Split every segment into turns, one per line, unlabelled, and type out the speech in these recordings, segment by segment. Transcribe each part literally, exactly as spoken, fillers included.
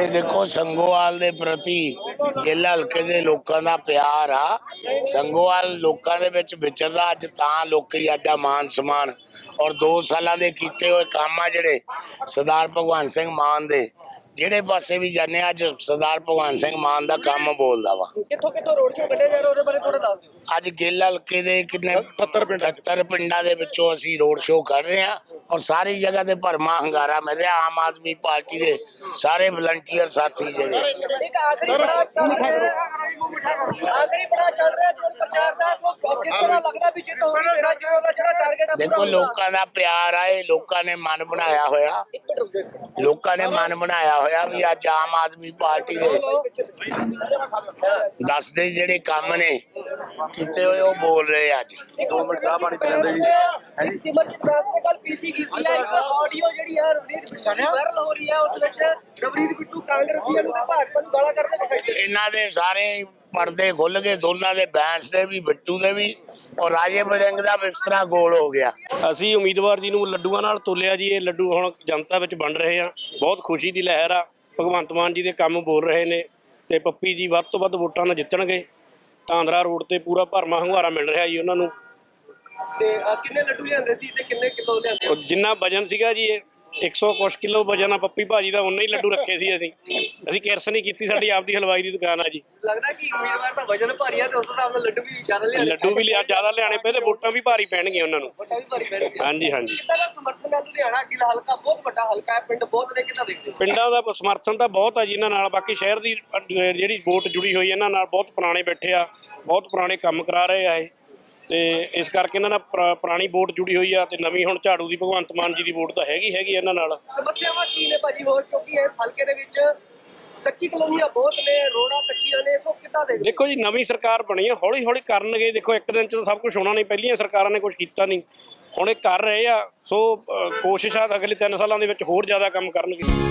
देखो संगोवाल दे प्रति ਗਿੱਲ हल्के दे लोकां दा प्यार आ। संगोवाल लोकां दे विच विचरदा अज तां लोकी अड्डा मान सम्मान और दो सालां दे कीते होए काम आ जिहड़े सरदार भगवंत सिंह मान दे ਜਿਹੜੇ ਪਾਸੇ ਵੀ ਜਾਂਦੇ ਅੱਜ ਸਰਦਾਰ ਭਗਵੰਤ ਸਿੰਘ ਮਾਨ ਦਾ ਕੰਮ ਬੋਲਦਾ ਵਾ।
ਕਿੱਥੋਂ ਕਿੱਥੋਂ ਰੋਡ ਸ਼ੋਅ ਕੱਢਿਆ ਜਾ ਰਿਹਾ ਉਹਦੇ ਬਾਰੇ ਥੋੜਾ ਦੱਸ ਦਿਓ।
ਅੱਜ ਗਿੱਲ ਹਲਕੇ ਦੇ ਕਿੰਨੇ ਅਠੱਤਰ ਪਿੰਡਾਂ ਦੇ ਵਿੱਚੋਂ ਅਸੀਂ ਰੋਡ ਸ਼ੋਅ ਕਰ ਰਹੇ ਹਾਂ ਔਰ ਸਾਰੀ ਜਗ੍ਹਾ ਤੇ ਭਰਮਾ ਹੰਗਾਰਾ ਮਿਲ ਰਿਹਾ। ਆਮ ਆਦਮੀ ਪਾਰਟੀ ਦੇ ਸਾਰੇ ਵਲੰਟੀਅਰ ਸਾਥੀ ਜਿਹੜੇ
ਇੱਕ ਆਖਰੀ ਬੜਾ ਚੱਲ ਰਿਹਾ ਆਖਰੀ ਬੜਾ ਚੱਲ ਰਿਹਾ ਚੋਣ ਪ੍ਰਚਾਰ ਦਾ ਸੋ ਕਿਸ ਤਰ੍ਹਾਂ ਲੱਗਦਾ ਵੀ ਜਿੱਤ ਹੋਣੀ ਤੇਰਾ ਜ਼ੀਰੋ ਦਾ ਜਿਹੜਾ ਟਾਰਗੇਟ ਆ
ਦੇਖੋ ਲੋਕਾਂ ਦਾ ਪਿਆਰ ਆ ਇਹ ਲੋਕਾਂ ਨੇ ਮਨ ਬਣਾਇਆ ਹੋਇਆ ਲੋਕਾਂ ਨੇ ਮਨ ਬਣਾਇਆ ਹੋਇਆ ਵੀ ਅੱਜ ਆਮ ਆਦਮੀ ਪਾਰਟੀ ਦੇ ਦੱਸਦੇ ਜਿਹੜੇ ਕੰਮ ਨੇ ਕੀਤੇ ਹੋਏ ਉਹ ਬੋਲ ਰਹੇ ਅੱਜ।
ਦੋ ਮਿੰਟ ਚਾਹ ਪਾਣੀ ਪੀ ਲੈਂਦੇ ਜੀ। ਸਿਮਰਜੀਤ ਦਾਸ ਨੇ ਕੱਲ ਪੀਸੀ ਕੀਤੀ ਹੈ ਇੱਕ ਆਡੀਓ ਜਿਹੜੀ ਆ ਰਵਨੀਤ ਬਿੱਟੂ ਦੀ ਵਾਇਰਲ ਹੋ ਰਹੀ ਹੈ ਉਸ ਵਿੱਚ ਰਵਨੀਤ ਬਿੱਟੂ ਕਾਂਗਰਸੀਆਂ ਨੂੰ ਤੇ ਭਾਜਪਾ ਨੂੰ ਗਾਲਾਂ ਕੱਢਦੇ ਦਿਖਾਈ ਦੇ
ਇਹਨਾਂ ਦੇ ਸਾਰੇ ਪਰਦੇ ਖੁੱਲ ਗਏ ਦੋਨਾਂ ਦੇ ਬੈਂਸ ਦੇ ਵੀ ਬਿੱਟੂ ਦੇ ਵੀ ਔਰ ਰਾਜੇ ਵੜਿੰਗ ਦਾ ਬਿਸਤਰਾ ਗੋਲ ਹੋ ਗਿਆ।
ਅਸੀਂ ਉਮੀਦਵਾਰ ਜੀ ਨੂੰ ਲੱਡੂਆਂ ਨਾਲ ਤੋਲਿਆ ਜੀ। ਇਹ ਲੱਡੂ ਹੁਣ ਜਨਤਾ ਵਿੱਚ ਵੰਡ ਰਹੇ ਆ। ਬਹੁਤ ਖੁਸ਼ੀ ਦੀ ਲਹਿਰ ਆ। ਭਗਵੰਤ ਮਾਨ ਜੀ ਦੇ ਕੰਮ ਬੋਲ ਰਹੇ ਨੇ ਤੇ ਪੱਪੀ ਜੀ ਵੱਧ ਤੋਂ ਵੱਧ ਵੋਟਾਂ ਨਾਲ ਜਿੱਤਣਗੇ। ਟਾਂਦਰਾ ਰੋਡ ਤੇ ਪੂਰਾ ਭਰਮਾ ਹੁੰਗਾਰਾ ਮਿਲ ਰਿਹਾ ਜੀ ਉਹਨਾਂ ਨੂੰ।
ਤੇ ਕਿੰਨੇ ਲੱਡੂ ਲਿਆਂਦੇ ਸੀ ਤੇ ਕਿੰਨੇ ਕਿਲੋ ਲਿਆਂਦੇ?
ਜਿੰਨਾ ਵਜਨ ਸੀਗਾ ਜੀ ਇਹ ਇੱਕ ਸੌ ਕੁਛ ਕਿਲੋ ਵਜਨ ਆ ਪੱਪੀ ਭਾਜੀ ਦਾ ਉਨੇ ਹੀ ਲੱਡੂ ਰੱਖੇ ਸੀ ਅਸੀਂ। ਅਸੀਂ ਕਿਰਸ ਨਹੀਂ ਕੀਤੀ। ਸਾਡੀ ਆਪਦੀ ਹਲਵਾਈ ਦੀ ਦੁਕਾਨ ਆ ਜੀ।
ਲੱਗਦਾ ਕਿ ਉਮੀਦਵਾਰ ਦਾ ਵਜਨ ਭਾਰੀ ਆ ਤੇ ਉਸ ਹਿਸਾਬ ਨਾਲ ਲੱਡੂ ਵੀ ਜ਼ਿਆਦਾ ਲਿਆਣੇ
ਲੱਡੂ ਵੀ ਲਿਆ ਜ਼ਿਆਦਾ ਲਿਆਣੇ ਪਏ ਤੇ ਵੋਟਾਂ ਵੀ ਭਾਰੀ ਪੈਣਗੀਆਂ ਉਹਨਾਂ ਨੂੰ।
ਵੋਟਾਂ ਵੀ ਭਾਰੀ ਪੈਣਗੀਆਂ।
ਹਾਂਜੀ ਹਾਂਜੀ।
ਕਿੰਨਾ ਦਾ ਸਮਰਥਨ ਹੈ ਲੁਧਿਆਣਾ ਗਿੱਲ ਹਲਕਾ ਬਹੁਤ ਵੱਡਾ ਹਲਕਾ ਹੈ ਪਿੰਡ ਬਹੁਤ ਨੇ ਕਿੰਨਾ ਦੇਖਦੇ
ਪਿੰਡਾਂ ਦਾ ਸਮਰਥਨ ਤਾਂ ਬਹੁਤ ਆ ਜੀ ਇਹਨਾਂ ਨਾਲ। ਬਾਕੀ ਸ਼ਹਿਰ ਦੀ ਜਿਹੜੀ ਵੋਟ ਜੁੜੀ ਹੋਈ ਇਹਨਾਂ ਨਾਲ ਬਹੁਤ ਪੁਰਾਣੇ ਬੈਠੇ ਆ ਬਹੁਤ ਪੁਰਾਣੇ ਕੰਮ ਕਰਾ ਰਹੇ ਆ ਇਹ ਤੇ ਇਸ ਕਰਕੇ ਇਹਨਾਂ ਨਾਲ ਪੁਰਾਣੀ ਵੋਟ ਜੁੜੀ ਹੋਈ ਆ ਤੇ ਨਵੀਂ ਹੁਣ ਝਾੜੂ ਦੀ ਭਗਵੰਤ ਮਾਨ ਜੀ ਦੀ ਵੋਟ ਤਾਂ ਹੈਗੀ ਹੈਗੀ ਇਹਨਾਂ ਨਾਲ।
ਸਮੱਸਿਆਵਾਂ ਕੀ ਨੇ ਭਾਜੀ ਹੋਰ ਕਿਉਂਕਿ ਇਸ ਹਲਕੇ ਦੇ ਵਿੱਚ ਕੱਚੀ ਕਲੋਨੀਆਂ ਬਹੁਤ ਨੇ ਰੋਡਾਂ ਕੱਚੀਆਂ ਨੇ ਸੋ ਕਿੱਦਾਂ ਦੇ
ਦੇਖੋ ਜੀ ਨਵੀਂ ਸਰਕਾਰ ਬਣੀ ਆ ਹੌਲੀ ਹੌਲੀ ਕਰਨਗੇ। ਦੇਖੋ ਇੱਕ ਦਿਨ 'ਚ ਤਾਂ ਸਭ ਕੁਝ ਹੋਣਾ ਨਹੀਂ। ਪਹਿਲੀਆਂ ਸਰਕਾਰਾਂ ਨੇ ਕੁਝ ਕੀਤਾ ਨਹੀਂ ਹੁਣ ਇਹ ਕਰ ਰਹੇ ਆ। ਸੋ ਕੋਸ਼ਿਸ਼ ਆ ਅਗਲੇ ਤਿੰਨ ਸਾਲਾਂ ਦੇ ਵਿੱਚ ਹੋਰ ਜ਼ਿਆਦਾ ਕੰਮ ਕਰਨਗੇ।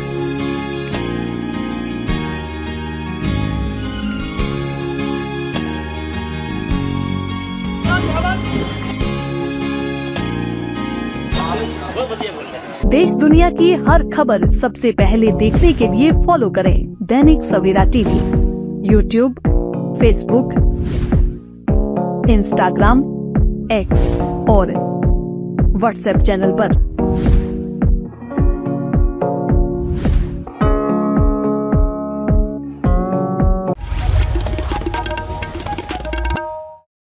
देश दुनिया की हर खबर सबसे पहले देखने के लिए फॉलो करें Dainik Savera TV YouTube, Facebook, Instagram, X और व्हाट्सएप चैनल पर।